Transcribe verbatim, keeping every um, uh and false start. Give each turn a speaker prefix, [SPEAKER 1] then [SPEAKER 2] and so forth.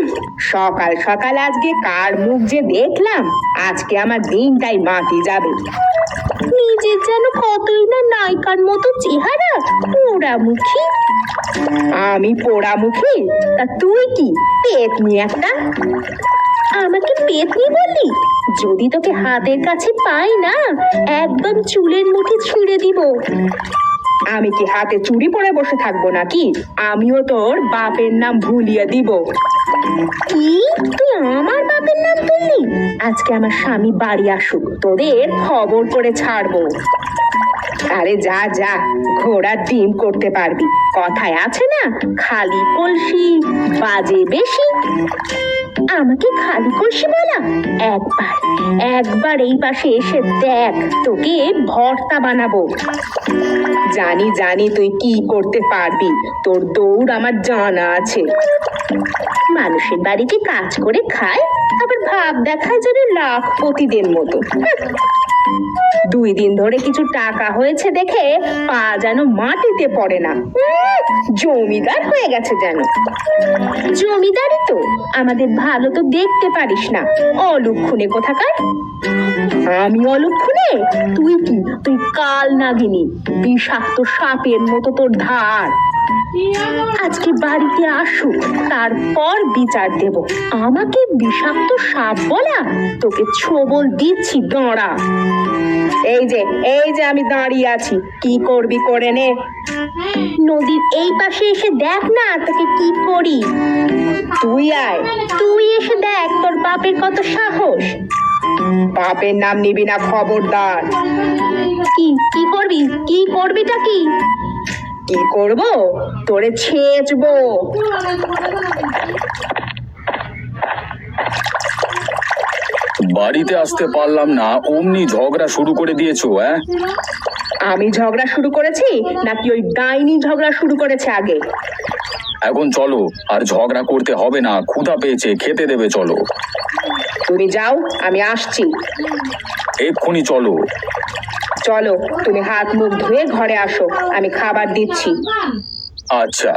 [SPEAKER 1] সকাল সকাল আজকে কার মুখ যে দেখলাম, আজকে আমার দিনটাই মাটি যাবে। নিজের যেন কতই না নায়িকার মতো চেহারা, পোড়ামুখী। আমি পোড়ামুখী? তা তুই কি পেতনি একটা? আমাকে পেতনি বললি? যদি তোকে হাতের কাছে পাই না, একদম চুলের মুঠি ছিঁড়ে দিব। আমি কি হাতে চুড়ি পরে বসে থাকবো নাকি? আমিও তোর বাপের নাম ভুলিয়ে দিব। কি? তুই আমার বাপের নাম তুললি? আজকে আমার স্বামী বাড়ি আসুক, তোদের খবর করে ছাড়বো। আরে যা যা, ঘোড়ার ডিম করতে পারবি। কথায় আছে না, খালি কলসি বাজে বেশি। আমাকে খালি কলসি বলা? একবার একবার এই পাশে এসে দেখ, তোকে ভর্তা বানাবো। জানি জানি তুই কি করতে পারবি, তোর দৌড় আমার জানা আছে। মানুষের বাড়িতে কাজ করে খায়, আবার ভাব দেখায় যেন লাখপতিদের মতো। দুই দিন ধরে কিছু টাকা হয়েছে দেখে পা যেন মাটিতে পড়ে না। জমিদার হয়ে গেছে যেন। জমিদারই তো, আমাদের ভালো তো দেখতে পারিস না, অলক্ষণে কোথাকার। আমি অলক্ষণে? তুই কি? তুই কাল নাগিনী, বিষাক্ত সাপের মতো তোর ধার। আজকে বাড়িতে আসুক, তারপর বিচার দেব। আমাকে বিষাক্ত সাপ বলা? তোকে ছোবল দিচ্ছি, দাঁড়া। এই যে এই যে আমি দাঁড়িয়ে আছি, কি করবি করে নে। নদীর এই পাশে এসে দেখ না তোকে কি করি। তুই আয়, তুই এসে দেখ তোর বাপের কত সাহস। বাপের নাম নিবি না, খবরদার। কি কি করবি? কি করবিটা কি? কি করব? তোরে ছেঁচবো।
[SPEAKER 2] বাড়িতে আসতে পারলাম না, অমনি ঝগড়া শুরু করে দিয়েছো। হ্যাঁ,
[SPEAKER 1] আমি ঝগড়া শুরু করেছি নাকি ওই ডাইনি ঝগড়া শুরু করেছে আগে?
[SPEAKER 2] এখন চলো, আর ঝগড়া করতে হবে না, ক্ষুধা পেয়েছে, খেতে দেবে, চলো।
[SPEAKER 1] তুমি যাও, আমি আসছি।
[SPEAKER 2] এক্ষুনি চলো।
[SPEAKER 1] চলো, তুমি হাত মুখ ধুয়ে ঘরে আসো, আমি খাবার দিচ্ছি।
[SPEAKER 2] আচ্ছা।